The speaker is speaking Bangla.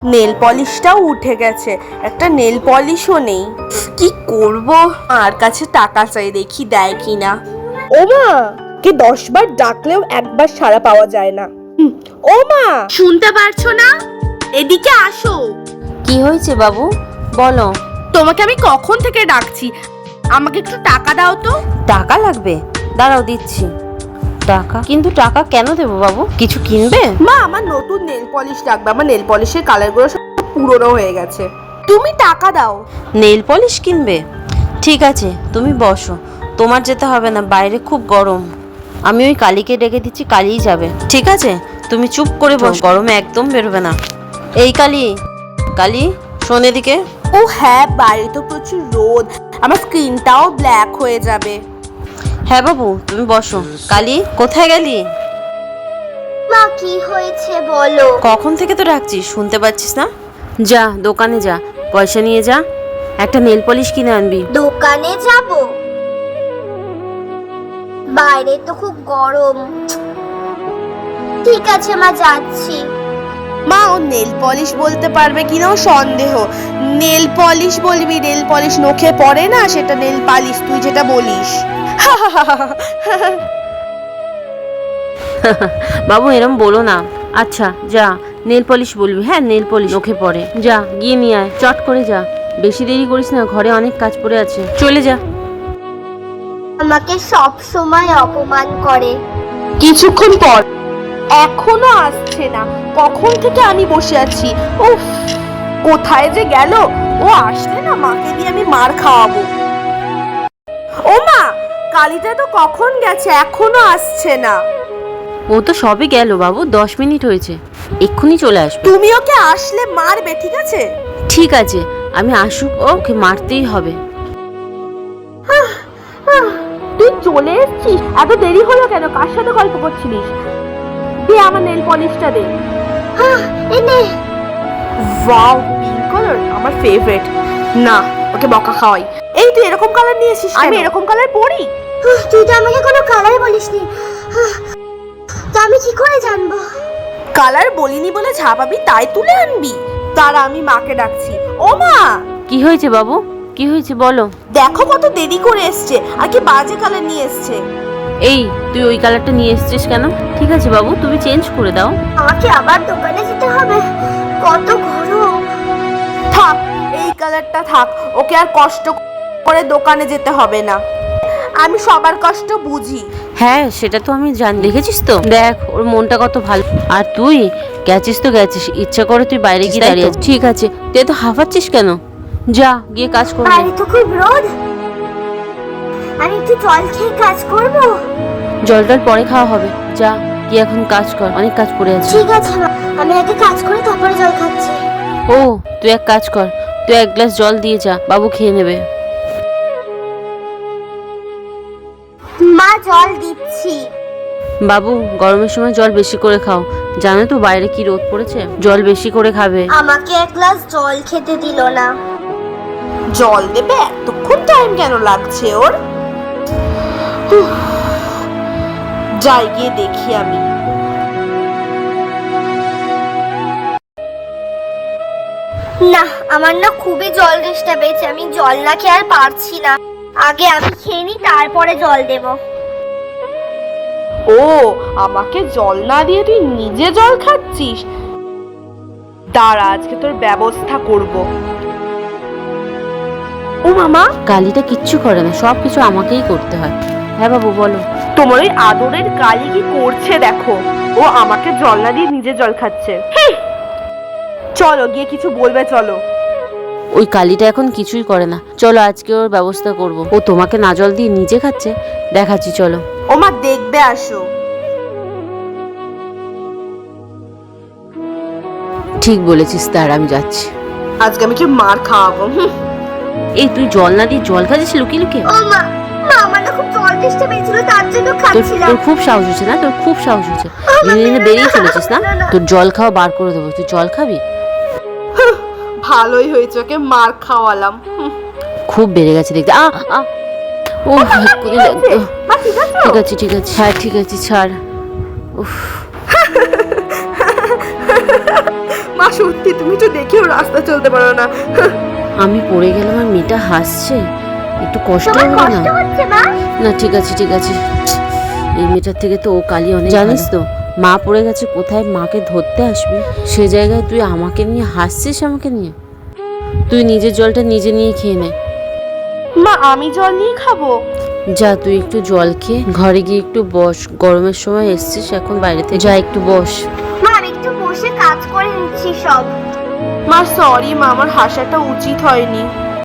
নেল পলিশটাও উঠে গেছে, একটা নেল পলিশও নেই। কি করব? আর কাছে টাকা চাই, দেখি দেয় কিনা। ও মা, কে 10 বার ডাকলেও একবার সাড়া পাওয়া যায় না। ও মা, শুনতে পারছো না? এদিকে আসো। কি হয়েছে বাবু, বলো। তোমাকে আমি কখন থেকে ডাকছি, আমাকে একটু টাকা দাও তো। টাকা লাগবে? দাঁড়াও দিচ্ছি। টাকা? কিন্তু টাকা কেন দেবো বাবু, কিছু কিনবে? মা, আমার নতুন নেল পলিশ লাগবে, আমার নেল পলিশের কালারগুলো সব পুরনো হয়ে গেছে, তুমি টাকা দাও। নেল পলিশ কিনবে? ঠিক আছে, তুমি বসো, তোমার যেতে হবে না, বাইরে খুব গরম। আমি ওই কালীকে ডেকে দিচ্ছি, কালীই যাবে। ঠিক আছে, তুমি চুপ করে বসো, গরমে একদম বেরোবে না। এই কালী, কালী শোন এদিকে। ও হ্যাঁ, বাইরে তো প্রচুর রোদ, আমার স্কিনটাও ব্ল্যাক হয়ে যাবে। হ্যাঁ বাবু, তুমি বসো। কালী, কোথায় গেলি? মা, কি হয়েছে বলো। কখন থেকে তো ডাকছিস, শুনতে পাচ্ছিস না? যা দোকানে যা, পয়সা নিয়ে যা, একটা নেল পলিশ কিনে আনবি। দোকানে যাব? বাইরে তো খুব গরম। ঠিক আছে মা, যাচ্ছি। মা, ও নেল পলিশ বলতে পারবে কিনাও সন্দেহ। নেল পলিশ বলবি, নেল পলিশ নখে পড়ে না, সেটা নেল পালিশ তুই যেটা বলিস। বাবু এরম বলো না। আচ্ছা যা, নেল পলিশ বলবি। হ্যাঁ, নেল পলিশ নখে পড়ে। যা গিয়ে নিয়ে আয়, চট করে যা, বেশি দেরি করিস না, ঘরে অনেক কাজ পড়ে আছে, চলে যা। আমাকে সব সময় অপমান করে। কিছুক্ষণ পর, এখনো আসছে না, কখন থেকে আমি বসে আছি। উফ, কোথায় যে গেল? ও আসলে না, মাকে দিয়ে আমি মার খাওয়াবো। ও মা, কালীটা তো কখন গেছে, এখনো আসছে না। ও তো সবে গেল বাবু, 10 মিনিট হয়েছে, এক্ষুনি চলে আসবে। তুমি ওকে আসলে মারবে, ঠিক আছে? ঠিক আছে, আমি আসুক, ওকে মারতেই হবে। তুই চলে এসেছিস? এত দেরি হলো কেন? কার সাথে গল্প করছিলিস? দে আমার নেল পলিশটা দে। এনে। ওয়াও, পিঙ্ক কালার আমার ফেভারিট। না, ওকে বকা খাওয়াই। এই তুই এরকম কালার নিয়ে এসেছিস, আমি এরকম কালার পরি? তুই তো আমাকে কোনো কালার বলিসনি, তো আমি কি করে জানবো? কালার বলিনি বলে ঝাপাবি, তাই তুলে আনবি? তারা, আমি মাকে ডাকছি। ও মা, কি হয়েছে বাবু, কি হয়েছে বলো। দেখো কত দেরি করে এসছে, আর কি বাজে কালার নিয়ে এসছে। এই তুই ওই কালারটা নিয়ে এসেছিস কেন? ঠিক আছে বাবু, তুমি চেঞ্জ করে দাও। আমাকে আবার দোকানে যেতে হবে, কত গরম। থাক, এই কালারটা থাক, ওকে আর কষ্ট করে দোকানে যেতে হবে না, আমি সবার কষ্ট বুঝি। হ্যাঁ সেটা তো আমি জানি, দেখেছিস তো, দেখ ওর মনটা কত ভালো। আর তুই গেছিস তো গেছিস, ইচ্ছা করে তুই বাইরে গিয়ে দাঁড়িয়ে আছিস। ঠিক আছে, তুই তো হাঁফাচ্ছিস কেন? যা গিয়ে কাজ কর। বাইরে তো খুব রোদ, আমি একটু জল খেয়ে কাজ করব। জল টল পরে খাওয়া হবে, যা গিয়ে এখন কাজ কর, অনেক কাজ পড়ে আছে। ঠিক আছে মা, আমি আগে কাজ করে তারপরে জল খাচ্ছি। ও তুই এক কাজ কর, তুই 1 গ্লাস জল দিয়ে যা, বাবু খেয়ে নেবে। মা, জল দিচ্ছি। বাবু গরমের সময় জল বেশি করে খাও, জানো তো বাইরে কি রোদ পড়েছে, জল বেশি করে খাবে। আমাকে 1 গ্লাস জল খেতে দিল না। জল দেবে? এতক্ষণ টাইম কেন লাগছে ওর? যাই গিয়ে দেখি আমি। না, আমার না খুবই জল তেষ্টা পেয়েছে, আমি জল না খেয়ে আর পারছি না। আগে আমি খেয়ে নিই, তারপরে জল দেব। ও, আমাকে জল না দিয়ে তুই নিজে জল খাচ্ছিস? দাঁড়া, আজকে তোর ব্যবস্থা করব। ও মামা, কালিটা কিচ্ছু করে না, সব কিছু আমাকেই করতে হয়। হ্যাঁ বাবু বলো। তোমার ওই আদরের কালী কি করছে দেখো, ও আমাকে জল না দিয়ে নিজে জল খাচ্ছে। চলো গিয়ে কিছু বলবে, চলো। ওই কালিটা এখন কিছুই করে না, চলো আজকে ওর ব্যবস্থা করব। ও তোমাকে না জল দিয়ে নিজে খাচ্ছে, দেখাচ্ছি চলো। ও মা, দেখবে, আসো। ঠিক বলেছিস, তার আমি যাচ্ছি। আজকে আমি কি মার খাওয়াবো। এই তুই জল না দিয়ে জল খাচ্ছিস লুকিয়ে লুকিয়ে? ও মা, আমার না খুব জল তেষ্টা পেয়েছিল, তার জন্য খাচ্ছিলাম। তোর খুব সাহস হচ্ছে না, তোর খুব সাহস হচ্ছে, দিনে দিনে বেরিয়ে চলেছিস না। তোর জল খাওয়া বার করে দেবো, তুই জল খাবি? ভালোই হয়েছে, ওকে মার খাওয়ালাম। খুব বেড়ে গেছে দেখতে। ও ঠিক আছে ঠিক আছে, হ্যাঁ ঠিক আছে, ছাড়। উফ, মা সত্যি তুমি তো দেখেও রাস্তা চলতে পারো না। আমি পড়ে গেলাম আর মেয়েটা হাসছে, একটু কষ্ট তোমার হবে কষ্ট না? হচ্ছে মা? না ঠিক আছে ঠিক আছে, এই মেয়েটার থেকে তো ও কালি অনেক। জানিস তো মা পড়ে গেছে, কোথায় মাকে ধরতে আসবে সে জায়গায় তুই আমাকে নিয়ে হাসছিস। আমাকে নিয়ে তুই নিজের জলটা নিজে নিয়ে খেয়ে নে। মা আমি জল নিয়ে খাবো? যা তুই একটু জল খেয়ে ঘরে গিয়ে একটু বস, গরমের সময় এসছিস এখন বাইরে থেকে, যা একটু বস। মা আমি একটু বসে কাজ করে নিচ্ছি সব। মা সরি মা, আমার হাসাটা উচিত হয়নি।